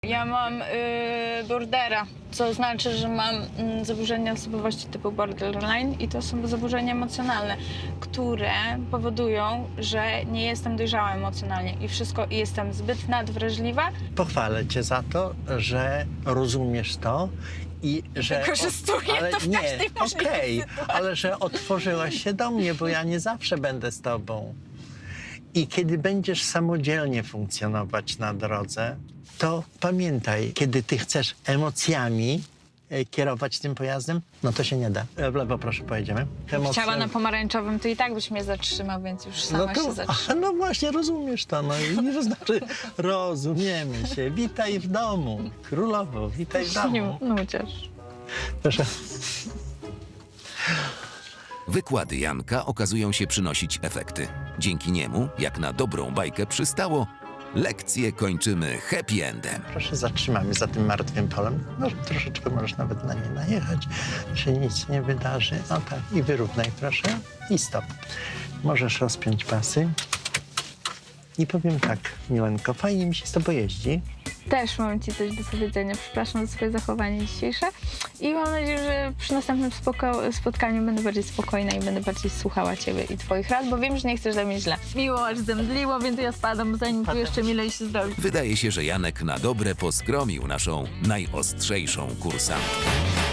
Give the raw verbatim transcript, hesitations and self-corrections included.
Ja mam y, bordera, co znaczy, że mam y, zaburzenia osobowości typu borderline i to są zaburzenia emocjonalne, które powodują, że nie jestem dojrzała emocjonalnie i wszystko i jestem zbyt nadwrażliwa. Pochwalę cię za to, że rozumiesz to i że... Wykorzystuję ale to w nie, każdej możliwej okej, sytuacji. ale że otworzyłaś się do mnie, bo ja nie zawsze będę z tobą. I kiedy będziesz samodzielnie funkcjonować na drodze, to pamiętaj, kiedy ty chcesz emocjami e, kierować tym pojazdem, no to się nie da. E, W lewo proszę, pojedziemy. Emocje- Chciała na pomarańczowym, to i tak byś mnie zatrzymał, więc już sama no się to, zatrzymał. no właśnie, rozumiesz to. No i to znaczy, rozumiemy się. Witaj w domu. Królowo, witaj w domu. Nudziarz. Proszę. Wykłady Janka okazują się przynosić efekty. Dzięki niemu, jak na dobrą bajkę przystało, lekcje kończymy happy endem. Proszę, zatrzymamy za tym martwym polem. No, troszeczkę możesz nawet na nie najechać, się nic nie wydarzy. No tak, i wyrównaj proszę i stop. Możesz rozpiąć pasy. I powiem tak, Milenko, fajnie mi się z tobą jeździ. Też mam ci coś do powiedzenia. Przepraszam za swoje zachowanie dzisiejsze i mam nadzieję, że przy następnym spoko- spotkaniu będę bardziej spokojna i będę bardziej słuchała ciebie i twoich rad, bo wiem, że nie chcesz dla mnie źle. Miło, aż zemdliło, więc ja spadam, zanim tu jeszcze milej się zrobi. Wydaje się, że Janek na dobre poskromił naszą najostrzejszą kursantkę.